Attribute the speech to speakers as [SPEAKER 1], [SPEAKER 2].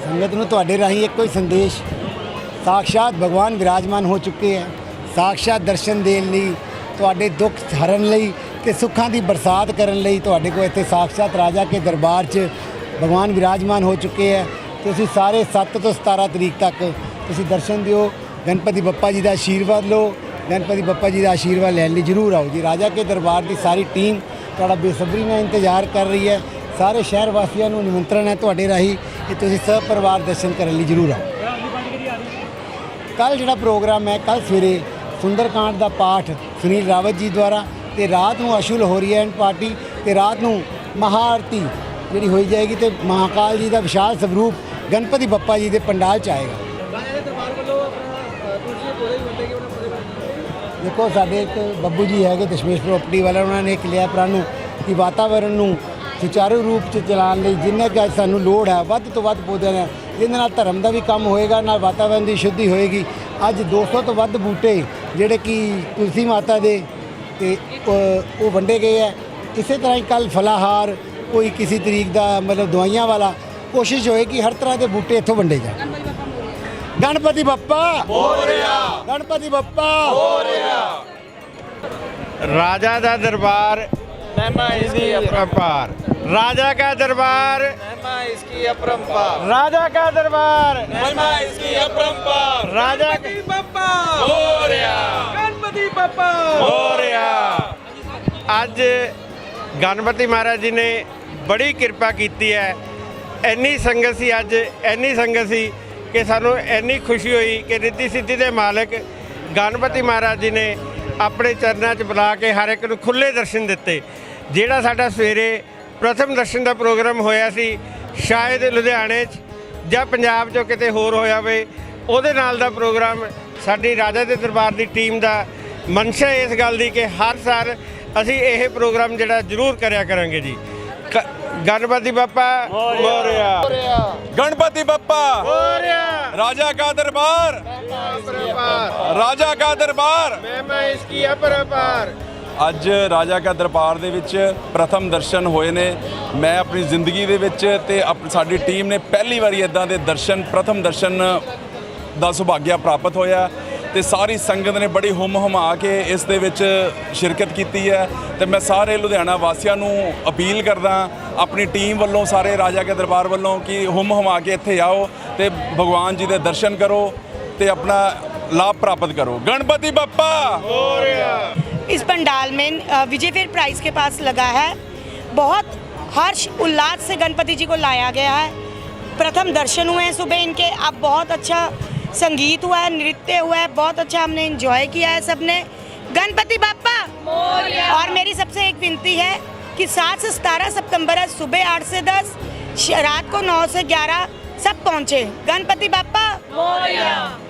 [SPEAKER 1] संगत ਨੂੰ ਤੁਹਾਡੇ ਰਾਹੀਂ ਇੱਕੋ ਹੀ ਸੰਦੇਸ਼ ਸਾਖਸ਼ਾਤ ਭਗਵਾਨ ਵਿਰਾਜਮਾਨ ਹੋ ਚੁੱਕੇ ਹੈ। ਸਾਖਸ਼ਾਤ ਦਰਸ਼ਨ ਦੇਣ ਲਈ, ਤੁਹਾਡੇ ਦੁੱਖ ਹਰਨ ਲਈ ਤੇ ਸੁੱਖਾਂ ਦੀ ਬਰਸਾਤ ਕਰਨ ਲਈ ਤੁਹਾਡੇ ਕੋਲ ਇੱਥੇ ਸਾਖਸ਼ਾਤ ਰਾਜਾ ਕੇ ਦਰਬਾਰ 'ਚ ਭਗਵਾਨ ਵਿਰਾਜਮਾਨ ਹੋ ਚੁੱਕੇ ਹੈ। ਤੁਸੀਂ ਸਾਰੇ 7 ਤੋਂ 17 ਤਰੀਕ ਤੱਕ ਤੁਸੀਂ ਦਰਸ਼ਨ ਦਿਓ, ਗਣਪਤੀ ਬੱਪਾ ਜੀ ਦਾ ਆਸ਼ੀਰਵਾਦ ਲਓ। ਗਣਪਤੀ ਬੱਪਾ ਜੀ ਦਾ ਆਸ਼ੀਰਵਾਦ ਲੈਣ ਲਈ ਜ਼ਰੂਰ ਆਓ ਜੀ। ਰਾਜਾ ਕੇ ਦਰਬਾਰ ਦੀ ਸਾਰੀ ਟੀਮ ਤੁਹਾਡਾ ਬੇਸਬਰੀ ਨਾਲ ਇੰਤਜ਼ਾਰ ਕਰ ਰਹੀ ਹੈ। ਸਾਰੇ ਸ਼ਹਿਰ ਵਾਸੀਆਂ ਨੂੰ ਨਿਮੰਤਰਣ ਹੈ ਤੁਹਾਡੇ ਰਾਹੀਂ ਕਿ ਤੁਸੀਂ ਸਭ ਪਰਿਵਾਰ ਦਰਸ਼ਨ ਕਰਨ ਲਈ ਜ਼ਰੂਰ ਆਓ। ਕੱਲ੍ਹ ਜਿਹੜਾ ਪ੍ਰੋਗਰਾਮ ਹੈ, ਕੱਲ੍ਹ ਸਵੇਰੇ ਸੁੰਦਰਕਾਂਡ ਦਾ ਪਾਠ ਸੁਨੀਲ ਰਾਵਤ ਜੀ ਦੁਆਰਾ, ਤੇ ਰਾਤ ਨੂੰ ਅਸ਼ੁਲ ਹੋਰੀ ਐਂਡ ਪਾਰਟੀ, ਤੇ ਰਾਤ ਨੂੰ ਮਹਾਆਰਤੀ ਜਿਹੜੀ ਹੋਈ ਜਾਏਗੀ, ਤੇ ਮਹਾਕਾਲ ਜੀ ਦਾ ਵਿਸ਼ਾਲ ਸਵਰੂਪ ਗਣਪਤੀ ਬੱਪਾ ਜੀ ਦੇ ਪੰਡਾਲ 'ਚ ਆਏਗਾ। ਦੇਖੋ ਸਾਡੇ ਇੱਕ ਬੱਬੂ ਜੀ ਹੈਗੇ ਦਸ਼ਮੇਸ਼ ਪ੍ਰੋਪਰਟੀ ਵਾਲਾ, ਉਹਨਾਂ ਨੇ ਇੱਕ ਲਿਆ ਪ੍ਰਣ ਕਿ ਵਾਤਾਵਰਣ ਨੂੰ ਸੁਚਾਰੂ ਰੂਪ 'ਚ ਚਲਾਉਣ ਲਈ ਜਿੰਨਾ ਕਿ ਸਾਨੂੰ ਲੋੜ ਹੈ ਵੱਧ ਤੋਂ ਵੱਧ ਪੌਦਿਆਂ ਦਾ, ਜਿਹਦੇ ਨਾਲ ਧਰਮ ਦਾ ਵੀ ਕੰਮ ਹੋਏਗਾ, ਨਾਲ ਵਾਤਾਵਰਣ ਦੀ ਸ਼ੁੱਧੀ ਹੋਏਗੀ। ਅੱਜ 200 ਤੋਂ ਵੱਧ ਬੂਟੇ ਜਿਹੜੇ ਕਿ ਤੁਲਸੀ ਮਾਤਾ ਦੇ ਤੇ ਉਹ ਵੰਡੇ ਗਏ ਹੈ। ਇਸੇ ਤਰ੍ਹਾਂ ਹੀ ਕੱਲ੍ਹ ਫਲਾਹਾਰ ਕੋਈ ਕਿਸੇ ਤਰੀਕ ਦਾ ਮਤਲਬ ਦਵਾਈਆਂ ਵਾਲਾ ਕੋਸ਼ਿਸ਼ ਹੋਏ ਕਿ ਹਰ ਤਰ੍ਹਾਂ ਦੇ ਬੂਟੇ ਇੱਥੋਂ ਵੰਡੇ ਜਾਣ। गणपति बप्पा हो रहा, गणपति बप्पा हो रहा।
[SPEAKER 2] राजा का दरबार महिमा इसकी अपरंपार, राजा का दरबार महिमा इसकी अपरंपार, राजा का दरबार महिमा इसकी अपरंपार, राजा गणपति बप्पा हो रहा, गणपति बप्पा हो रहा। अज गणपति महाराज जी ने बड़ी कृपा की है। इन्नी संगत सी, अज इन्नी संगत सी कि सानू इन्नी खुशी हुई कि रिद्धि सिद्धि के मालिक गणपति महाराज जी ने अपने चरणों च बुला के हर एक नूं खुले दर्शन दिते। जिहड़ा साडा सवेरे प्रथम दर्शन का प्रोग्राम होया सी, शायद लुधियाने जां पंजाब चों किते होर होया होवे, उहदे नाल दा प्रोग्राम साडी राजा दे दरबार की टीम का मनशा इस गल दी कि हर साल असीं यह प्रोग्राम जिहड़ा जरूर करया करांगे जी। गणपति बप्पा मोरया,
[SPEAKER 3] गणपति बप्पा
[SPEAKER 2] मोरया,
[SPEAKER 3] राजा का दरबार, राजा का दरबार
[SPEAKER 2] महिमा इसकी अपरंपार।
[SPEAKER 3] ਅੱਜ ਰਾਜਾ ਕਾ ਦਰਬਾਰ ਦੇ ਵਿੱਚ ਪ੍ਰਥਮ ਦਰਸ਼ਨ ਹੋਏ ਨੇ। ਮੈਂ ਆਪਣੀ ਜ਼ਿੰਦਗੀ ਦੇ ਵਿੱਚ ਤੇ ਸਾਡੀ ਟੀਮ ਨੇ ਪਹਿਲੀ ਵਾਰੀ ਇਦਾਂ ਦੇ ਦਰਸ਼ਨ, ਪ੍ਰਥਮ ਦਰਸ਼ਨ ਦਾ ਸੁਭਾਗਿਆ ਪ੍ਰਾਪਤ ਹੋਇਆ ਤੇ ਸਾਰੀ ਸੰਗਤ ਨੇ ਬੜੀ ਹੁਮ ਹੁਮਾ ਕੇ ਇਸ ਦੇ ਵਿੱਚ ਸ਼ਿਰਕਤ ਕੀਤੀ ਹੈ। ਤੇ ਮੈਂ ਸਾਰੇ ਲੁਧਿਆਣਾ ਵਾਸੀਆਂ ਨੂੰ ਅਪੀਲ ਕਰਦਾ ਆਪਣੀ ਟੀਮ ਵੱਲੋਂ, ਸਾਰੇ ਰਾਜਾ ਕੇ ਦਰਬਾਰ ਵੱਲੋਂ ਕਿ ਹੁਮ ਹੁਮਾ ਕੇ ਇੱਥੇ ਆਓ ਤੇ ਭਗਵਾਨ ਜੀ ਦੇ ਦਰਸ਼ਨ ਕਰੋ ਤੇ ਆਪਣਾ लाभ प्राप्त करो। गणपति बप्पा हो रहा।
[SPEAKER 4] इस पंडाल में विजय फेयर प्राइस के पास लगा है। बहुत हर्ष उल्लास से गणपति जी को लाया गया है। प्रथम दर्शन हुए हैं सुबह इनके, अब बहुत अच्छा संगीत हुआ है, नृत्य हुआ है, बहुत अच्छा हमने एंजॉय किया है सबने। गणपति बप्पा और मेरी सबसे एक विनती है कि 7 से 17 सितंबर है, सुबह 8 से 10, रात को 9 से 11 सब पहुँचे। गणपति बप्पा।